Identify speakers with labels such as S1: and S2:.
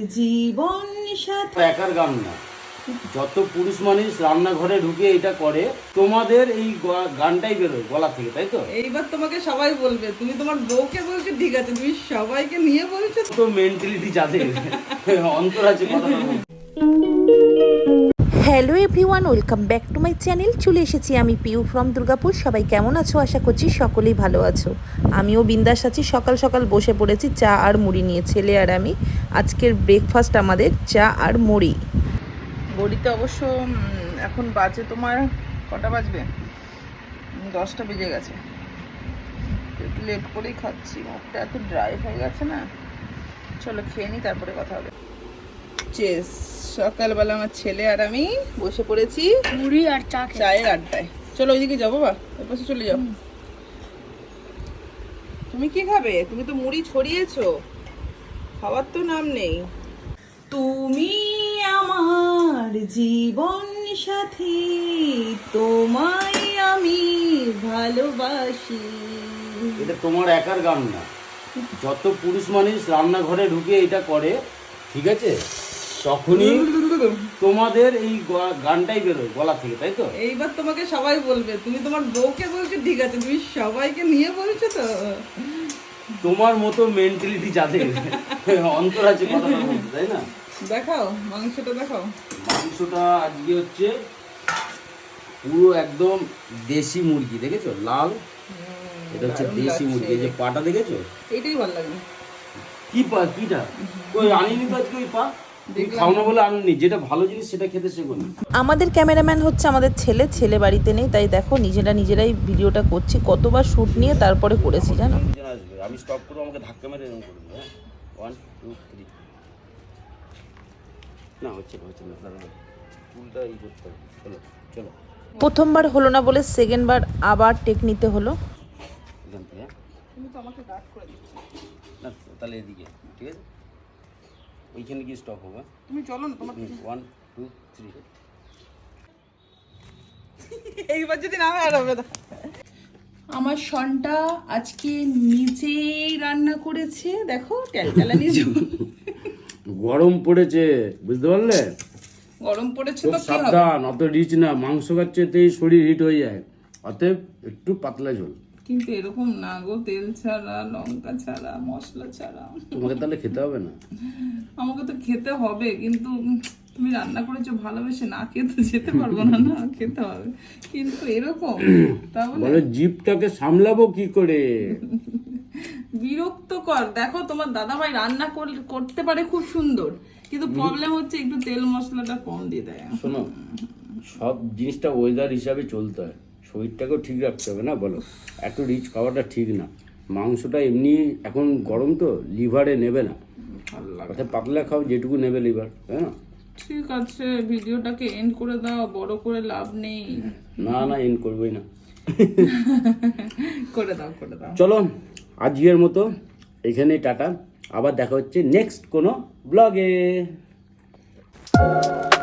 S1: জীবন সাথী।
S2: একার গান না, যত পুরুষ মানুষ রান্নাঘরে ঢুকে এটা করে তোমাদের এই গানটাই বেরোয় গলা থেকে, তাই তো?
S1: এইবার তোমাকে সবাই বলবে, তুমি তোমার বউকে বলছো ঠিক আছে, তুমি সবাইকে নিয়ে বলছো
S2: তো মেন্টালিটি যাদের অন্তর আছে কথাটা বলতে।
S3: Hello everyone, welcome back to my channel. চলে এসেছি আমি পিউ ফ্রম দুর্গাপুর। সবাই কেমন আছো? আশা করছি সকলেই ভালো আছো। আমিও বিন্দাস আছি। সকাল সকাল বসে পড়েছি চা আর মুড়ি নিয়ে, ছেলে আর আমি। আজকের ব্রেকফাস্ট আমাদের চা আর মুড়ি।
S1: বড়িতে অবশ্য এখন বাজে তোমার কটা বাজবে, 10টা বেজে গেছে। একটু লেট করেই খাচ্ছি, মুখটা এত ড্রাই হয়ে গেছে না। চলো খেয়ে নিই, তারপরে কথা হবে। চেস, সকালবেলা আমার ছেলে আর আমি বসে পড়েছি
S4: মুড়ি আর চা
S1: চায়ের আড্ডায়। চলো ওইদিকে যাবো, বা ওই পাশে চলে যাও। তুমি কি খাবে? তুমি তো মুড়ি ছড়িয়েছো, খাওয়ার তো নাম নেই। তুমি আমার জীবন সাথী, তোমায় আমি ভালোবাসি।
S2: এটা তোমার একার গান না, যত পুরুষ মানুষ রান্নাঘরে ঢুকে এটা করে, ঠিক আছে, তখনই তোমাদের এই গানটাই বেরোয় গলা থেকে, তাই তো?
S1: এইবার তোমাকে সবাই বলবে, তুমি তোমার বউকে বলছো ঠিক আছে, তুমি সবাইকে নিয়ে বলছো তো।
S2: তোমার মতো মেন্টালিটি যাদের অন্তর আছে কথাটা বলতে, তাই না?
S1: দেখাও মাংসটা, দেখাও।
S2: মাংসটা আজকে হচ্ছে পুরো একদম দেশি মুরগি, দেখেছো? লাল, এটা হচ্ছে দেশি মুরগি। এই যে পাটা দেখেছো?
S1: এইটাই ভালো লাগে।
S2: কি পা? কিটা? কই আনিনি তো আজকে ওই পা। খাও না বলে আনিনি, যেটা ভালো জিনিস সেটা খেতে শেখো না।
S3: আমাদের ক্যামেরাম্যান হচ্ছে আমাদের ছেলে বাড়িতে নেই, তাই দেখো নিজেরাই ভিডিওটা করছি। কতবার শ্যুট নিয়ে তারপরে করেছি জানো।
S2: আসবে, আমি স্টপ করবো, আমাকে ধাক্কা মেরে এরকম করবো। হ্যাঁ, 1 2 3। না হচ্ছে না, দাঁড়ানো, চুলটা ই করতে হবে। চলো চলো,
S3: প্রথমবার হলো না বলে সেকেন্ডবার আবার টেক নিতে হলো।
S2: এখান থেকে। হ্যাঁ,
S1: তুমি তো আমাকে ডাক করে দিচ্ছ।
S2: না তাহলে এদিকে, ঠিক আছে, ওইখানে গিয়ে স্টপ হবে।
S1: তুমি চলো না, তোমার
S2: 1 2 3।
S1: এইবার যদি না হয় আর হবে না। আমার সনটা আজকে নিজেই রান্না করেছে, দেখো টেলটেলানি
S2: গরম পড়েছে, বুঝতে পারলে?
S1: গরম পড়েছে
S2: খুব
S1: তো কি হবে।
S2: সাবধান, অত রিচ না, মাংস খাচ্ছেতেই শরীর হিট হয়ে যায়, অতএব একটু পাতলা ঝোল।
S1: কিন্তু এরকম না গো, তেল ছাড়া, লঙ্কা ছাড়া, মশলা ছাড়া।
S2: তোমাকে তাহলে খেতে হবে না?
S1: আমাকে তো খেতে হবে, কিন্তু তুমি রান্না করেছো ভালোবেসে, না খেতে যেতে পারবো না, না খেতে হবে। কিন্তু এরকম তাহলে
S2: বলে জিভটাকে সামলাবো কি করে?
S1: বিরক্তকর। দেখো তোমার দাদাভাই রান্না করতে পারে খুব সুন্দর, কিন্তু প্রবলেম হচ্ছে একটু তেল মশলাটা কম দিয়ে দেয়।
S2: শোনো, সব জিনিসটা ওয়েদার হিসাবে চলতে হয়, শরীরটাকেও ঠিক রাখতে হবে না, বলো? এত রিচ খাওয়াটা ঠিক না। মাংসটা এমনি এখন গরম তো, লিভারে নেবে না,
S1: ভালো লাগে।
S2: অর্থাৎ পাতলা খাও, যেটুকু নেবে লিভার, তাই না?
S1: ঠিক আছে, ভিডিওটাকে এন্ড করে দাও, বড় করে লাভ নেই।
S2: না এন্ড করবোই না।
S1: করে দাও।
S2: চলো আজকের মতো এখানে টাটা, আবার দেখা হচ্ছে নেক্সট কোনো ব্লগে।